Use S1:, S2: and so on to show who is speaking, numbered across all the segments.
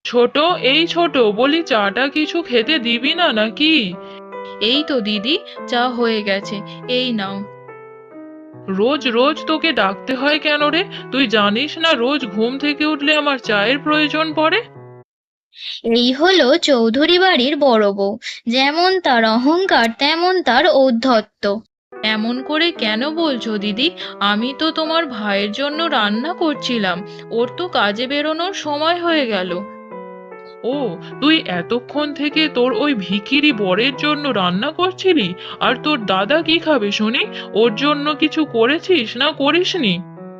S1: ছোট, এই ছোট, বলি চাটা কিছু খেতে দিবি না নাকি?
S2: এই তো দিদি, চা হয়ে গেছে, এই নাও।
S1: রোজ রোজ তোকে ডাকতে হয় কেন রে? তুই জানিস না রোজ ঘুম থেকে উঠলে আমার চায়ের প্রয়োজন পড়ে?
S2: এই হলো চৌধুরী বাড়ির বড় বউ, যেমন তার অহংকার তেমন তার ঔদ্ধত্য। এমন করে কেন বলছো দিদি? আমি তো তোমার ভাইয়ের জন্য রান্না করছিলাম, ওর তো কাজে বেরোনোর সময় হয়ে গেল।
S1: ও, তুই এতক্ষণ থেকে তোর ওই ভিখিরি বরের জন্য রান্না করছিলি? আর তোর দাদা কি খাবে শুনি? ওর জন্য কিছু করেছিস না করিসনি?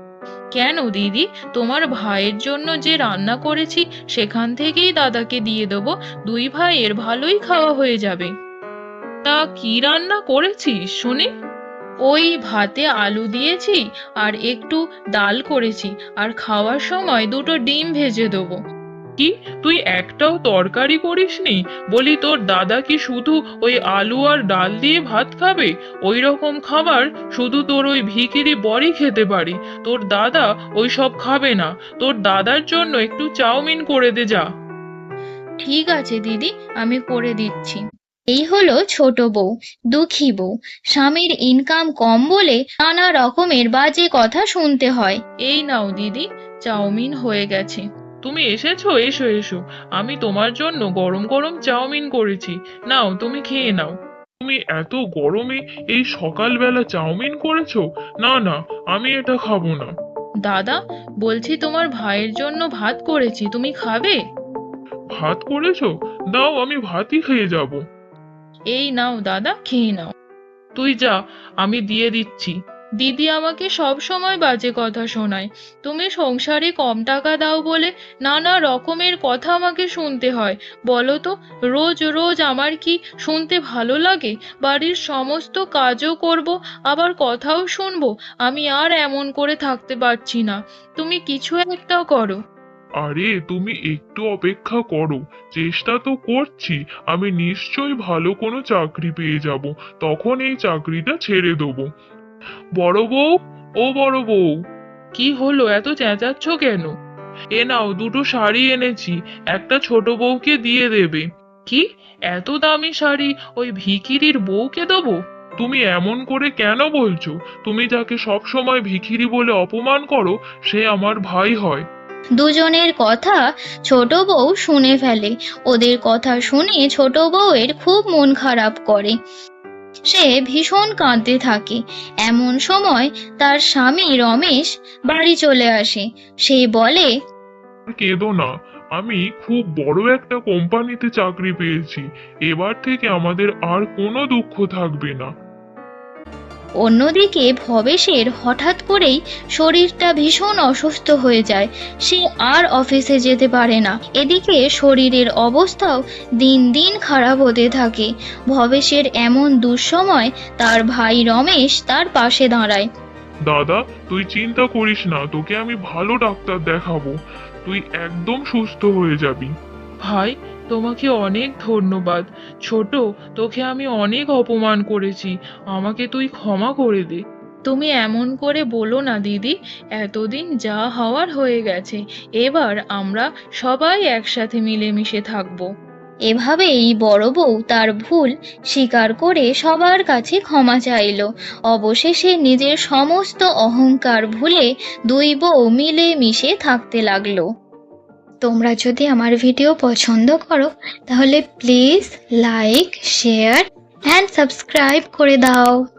S2: কেন দিদি, তোমার ভাইয়ের জন্য যে রান্না করেছি সেখান থেকেই দাদাকে দিয়ে দেবো, দুই ভাইয়ের ভালোই খাওয়া হয়ে যাবে।
S1: তা কি রান্না করেছিস শুনি?
S2: ওই ভাতে আলু দিয়েছি আর একটু ডাল করেছি, আর খাওয়ার সময় দুটো ডিম ভেজে দেবো।
S1: কি, তুই একটাও তরকারি করিসনি? বলি তোর দাদা কি শুধু ওই আলু আর ডাল দিয়ে ভাত খাবে? ওই রকম খাবার শুধু তোর ওই ভিখিরি বরই খেতে পারি। তোর দাদা ওই সব খাবে না। তোর দাদার জন্য একটু চাউমিন করে দে যা।
S2: ঠিক আছে দিদি, আমি করে দিচ্ছি। এই হলো ছোট বউ, দুঃখী বউ। স্বামীর ইনকাম কম বলে নানা রকমের বাজে কথা শুনতে হয়। এই নাও দিদি, চাউমিন হয়ে গেছে।
S1: তুমি এসেছো, এসো এসো। আমি তোমার জন্য গরম গরম চাউমিন করেছি। নাও, তুমি খেয়ে নাও। তুমি এত গরমে এই সকালবেলা চাউমিন করেছো? না না, আমি এটা খাবো না।
S2: দাদা, বলছি তোমার ভাইয়ের জন্য ভাত করেছি, তুমি খাবে?
S1: ভাত করেছো? দাও, আমি ভাতই খেয়ে যাব।
S2: এই নাও দাদা, খেয়ে নাও।
S1: তুই যা, আমি দিয়ে দিচ্ছি।
S2: দিদি আমাকে সব সময় বাজে কথা শোনায়। তুমি সংসারে কম টাকা দাও বলে নানা রকমের কথা আমাকে শুনতে হয়। বলো তো, রোজ রোজ আমার কি শুনতে ভালো লাগে? বাড়ির সমস্ত কাজও করব, আবার কথাও শুনবো। আমি আর এমন করে থাকতে পারছি না, তুমি কিছু একটা করো।
S1: আরে তুমি একটু অপেক্ষা করো, চেষ্টা তো করছি। আমি নিশ্চয়ই ভালো কোনো চাকরি পেয়ে যাব, তখন এই চাকরিটা ছেড়ে দেবো। বড় বউ, ও বড় বউ, কি হলো, এত চেঁচাচ্ছ কেন? এ নাও, দুটো শাড়ি এনেছি, একটা ছোট বউকে দিয়ে দেবে। কি, এত দামি শাড়ি ওই ভিখিরির বউকে দেবো? তুমি এমন করে কেন বলছো? তুমি যাকে সব সময় ভিখিরি বলে অপমান করো, সে আমার ভাই হয়।
S2: দুজনের কথা ছোট বউ শুনে ফেলে। ওদের কথা শুনে ছোট বউয়ের খুব মন খারাপ করে, সে ভীষণ কাঁদতে থাকে। এমন সময় তার স্বামী রমেশ বাড়ি চলে আসে। সে বলে,
S1: আর কেঁদো না, আমি খুব বড় একটা কোম্পানিতে চাকরি পেয়েছি। এবার থেকে আমাদের আর কোনো দুঃখ থাকবে না।
S2: অন্যদিকে ভবেশের হঠাৎ করেই শরীরটা ভীষণ অসুস্থ হয়ে যায়। সে আর অফিসে যেতে পারে না। এদিকে শরীরের অবস্থাও দিন দিন খারাপ হতে থাকে। ভবেশের এমন দুঃসময় তার ভাই রমেশ তার পাশে দাঁড়ায়।
S1: দাদা, তুই চিন্তা করিস না, তোকে আমি ভালো ডাক্তার দেখাবো। তুই একদম সুস্থ হয়ে যাবি। ভাই, তোমাকে অনেক ধন্যবাদ। ছোট, তোকে আমি অনেক অপমান করেছি, আমাকে তুই ক্ষমা করে দে।
S2: তুমি এমন করে বলো না দিদি, এতদিন যা হওয়ার হয়ে গেছে, এবার আমরা সবাই একসাথে মিলেমিশে থাকবো। এভাবেই বড় বউ তার ভুল স্বীকার করে সবার কাছে ক্ষমা চাইল। অবশেষে নিজের সমস্ত অহংকার ভুলে দুই বউ মিলে মিশে থাকতে লাগলো। তোমরা যদি আমার ভিডিও পছন্দ করো তাহলে please like, share and subscribe করে দাও।